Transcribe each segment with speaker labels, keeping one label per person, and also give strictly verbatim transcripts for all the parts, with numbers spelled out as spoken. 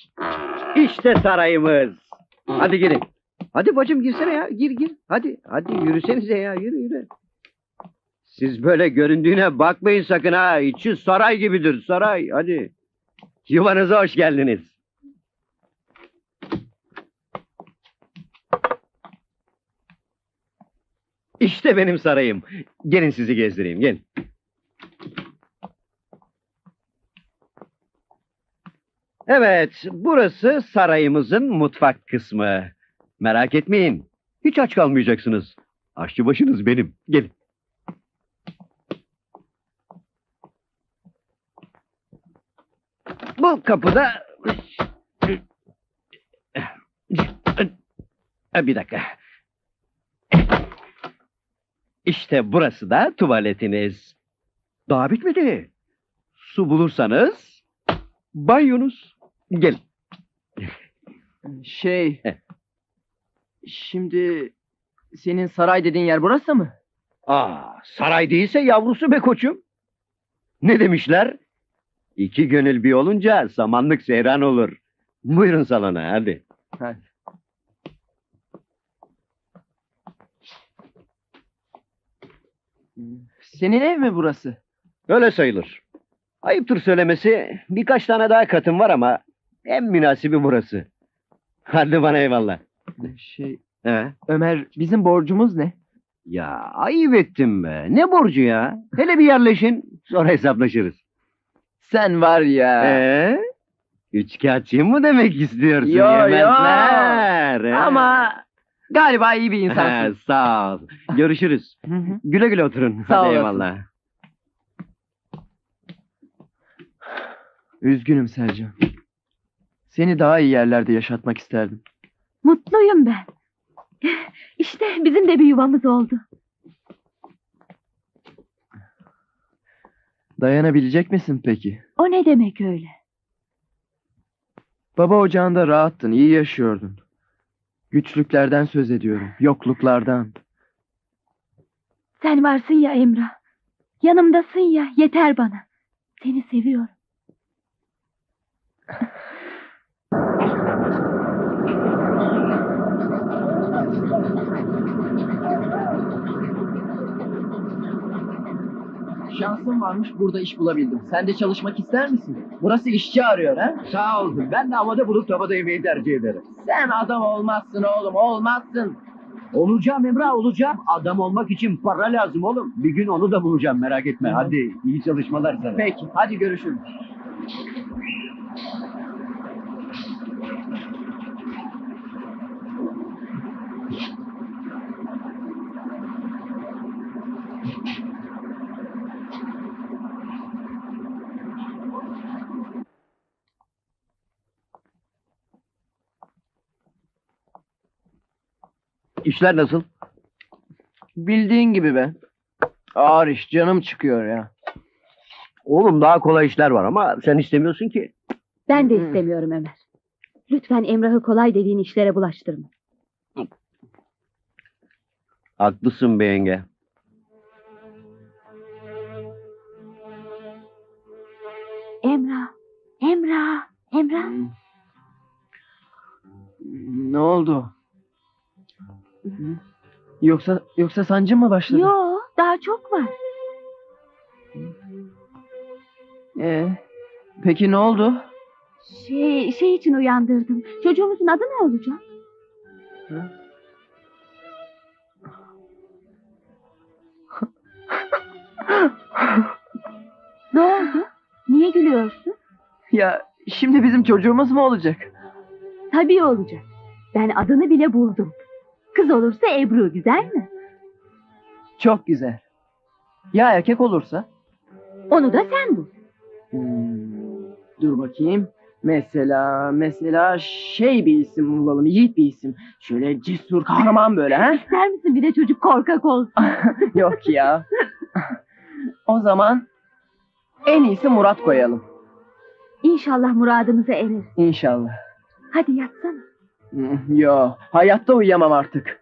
Speaker 1: İşte sarayımız. Hadi girin. Hadi bacım girsene ya. Gir gir. Hadi hadi yürüsenize ya. Yürü yürü. Siz böyle göründüğüne bakmayın sakın ha. İçi saray gibidir saray. Hadi. Yuvanıza hoş geldiniz. İşte benim sarayım. Gelin sizi gezdireyim. Gelin. Evet, burası sarayımızın mutfak kısmı. Merak etmeyin. Hiç aç kalmayacaksınız. Aşçı başınız benim. Gelin. Bu kapıda... Bir dakika. İşte burası da tuvaletiniz. Daha bitmedi. Su bulursanız... Banyonuz. Gelin.
Speaker 2: Şey... Şimdi... Senin saray dediğin yer burası mı?
Speaker 1: Aa, saray değilse yavrusu be koçum. Ne demişler? İki gönül bir olunca samanlık seyran olur. Buyurun salona hadi.
Speaker 2: Hadi. Senin ev mi burası?
Speaker 1: Öyle sayılır. Ayıptır söylemesi, birkaç tane daha katım var ama en münasibi burası. Hadi bana eyvallah.
Speaker 2: Şey...
Speaker 1: He?
Speaker 2: Ömer, bizim borcumuz ne?
Speaker 1: Ya ayıp ettim be. Ne borcu ya? Hele bir yerleşin, sonra hesaplaşırız.
Speaker 2: Sen var ya...
Speaker 1: Ee? Üçkağıtçıyım mı demek istiyorsun?
Speaker 2: Yo, yo.
Speaker 1: Yemezler. he?
Speaker 2: Ama... Galiba iyi bir
Speaker 1: He,
Speaker 2: insansın.
Speaker 1: sağ ol. Görüşürüz.
Speaker 2: Hı hı.
Speaker 1: Güle güle oturun.
Speaker 2: Sağ
Speaker 1: Hadi
Speaker 2: olasın.
Speaker 1: eyvallah.
Speaker 2: Üzgünüm Selcan. Seni daha iyi yerlerde yaşatmak isterdim.
Speaker 3: Mutluyum ben. İşte bizim de bir yuvamız oldu.
Speaker 2: Dayanabilecek misin peki?
Speaker 3: O ne demek öyle?
Speaker 2: Baba ocağında rahattın, iyi yaşıyordun. Güçlüklerden söz ediyorum, yokluklardan.
Speaker 3: Sen varsın ya Emrah. Yanımdasın ya, yeter bana. Seni seviyorum.
Speaker 2: Şansım varmış, burada iş bulabildim. Sen de çalışmak ister misin? Burası işçi arıyor ha?
Speaker 1: Sağ ol. Ben de havada bulup tavada yemeği tercih ederim.
Speaker 2: Sen adam olmazsın oğlum, olmazsın.
Speaker 1: Olacağım Emrah olacağım. Adam olmak için para lazım oğlum. Bir gün onu da bulacağım merak etme. Hadi iyi çalışmalar sana.
Speaker 2: Peki, hadi görüşürüz.
Speaker 1: İşler nasıl?
Speaker 2: Bildiğin gibi be. Ağır iş, canım çıkıyor ya.
Speaker 1: Oğlum daha kolay işler var ama sen istemiyorsun ki.
Speaker 3: Ben de
Speaker 2: Hı.
Speaker 3: istemiyorum Ömer. Lütfen Emrah'ı kolay dediğin işlere bulaştırma.
Speaker 1: Haklısın be yenge.
Speaker 3: Emrah, Emrah, Emrah.
Speaker 2: Ne oldu? Yoksa yoksa sancı mı başladı?
Speaker 3: Yo, daha çok var.
Speaker 2: Ee, peki ne oldu?
Speaker 3: Şey, şey için uyandırdım. Çocuğumuzun adı ne olacak?
Speaker 2: Hı?
Speaker 3: Ne oldu? Niye gülüyorsun?
Speaker 2: Ya şimdi bizim çocuğumuz mu olacak?
Speaker 3: Tabii olacak. Ben adını bile buldum. Kız olursa Ebru, güzel mi?
Speaker 2: Çok güzel. Ya erkek olursa?
Speaker 3: Onu da sen bul.
Speaker 2: Hmm, dur bakayım. Mesela, mesela şey bir isim bulalım, yiğit bir isim. Şöyle cesur, kahraman böyle ha?
Speaker 3: İster misin bir de çocuk korkak olsun?
Speaker 2: Yok ya. O zaman en iyisi Murat koyalım.
Speaker 3: İnşallah muradımıza erer.
Speaker 2: İnşallah.
Speaker 3: Hadi yatsana.
Speaker 2: Hmm, Yo, hayatta uyuyamam artık.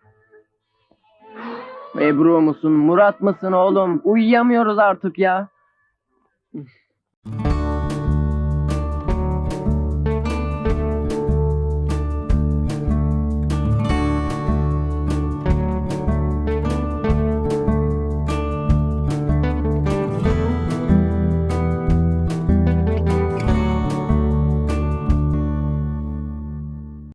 Speaker 2: Ebru musun, Murat mısın oğlum? Uyuyamıyoruz artık ya.